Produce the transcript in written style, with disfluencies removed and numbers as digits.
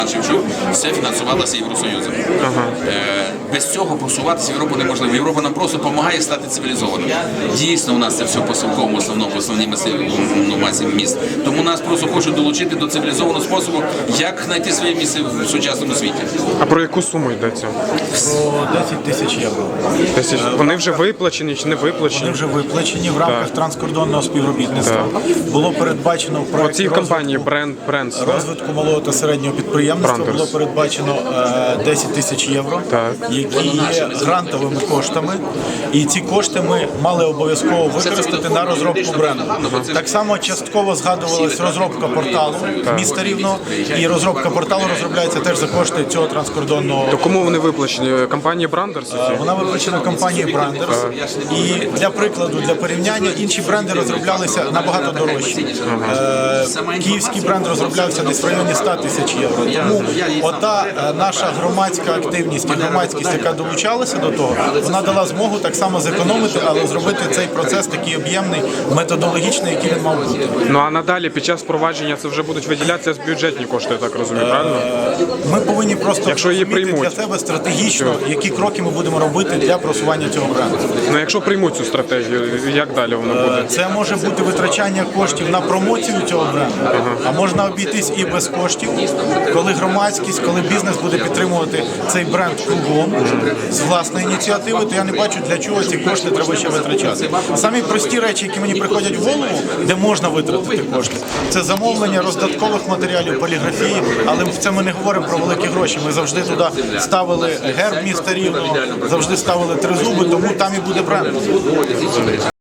Шевчук, все фінансувалося Євросоюзом. Без цього просуватися в Європу неможливо. Європа нам просто допомагає стати цивілізованим. Дійсно, у нас це все по Совковому, основному, по основній масі міст. Тому нас просто хочуть долучити до цивілізованого способу, як знайти своє місце в сучасному світі. А про яку суму йдеться? Про 10 тисяч євро. Вони вже виплачені чи не виплачені? Вони вже виплачені в рамках транскордонного співробітництва. Було передбачено в проєкті компанії розвитку малого та середнього підприємництва було передбачено 10 тисяч євро, які є грантовими коштами. І ці кошти ми мали обов'язково використати на розробку бренду. Так само частково згадувалась розробка порталу міста Рівного. І розробка порталу розробляється теж за кошти цього транскордонного. То кому вони виплачені? Компанії Брандерс? Вона виплачена компанією Брандерс. І для прикладу, для порівняння, інші бренди розроблялися набагато дорожче. Київський бренд розроблявся десь в районі 100 тисяч євро. Тому ота наша громадська активність і громадськість, яка долучалася до того, вона дала змогу так само зекономити, але зробити цей процес такий об'ємний, методологічний, який він мав бути. Ну а надалі під час впровадження це вже будуть виділятися з бюджетні кошти, я так розумію, правильно? Ми повинні просто розуміти для себе стратегічно, які кроки ми будемо робити для просування цього бренду. Ну якщо приймуть цю стратегію, як далі воно буде? Це може бути витрачання коштів на промоцію цього бренду, а можна обійтись і без коштів, коли громадськість, коли бізнес буде підтримувати цей бренд кругом з власної ініціативи, то я не бачу, для чого ці кошти треба ще витрачати. Самі прості речі, які мені приходять в голову, де можна витратити кошти, це замовлення роздаткових матеріалів, поліграфії, але це ми не говоримо про великі гроші. Ми завжди туди ставили герб міста Рівного, завжди ставили тризуби, тому там і буде бренд.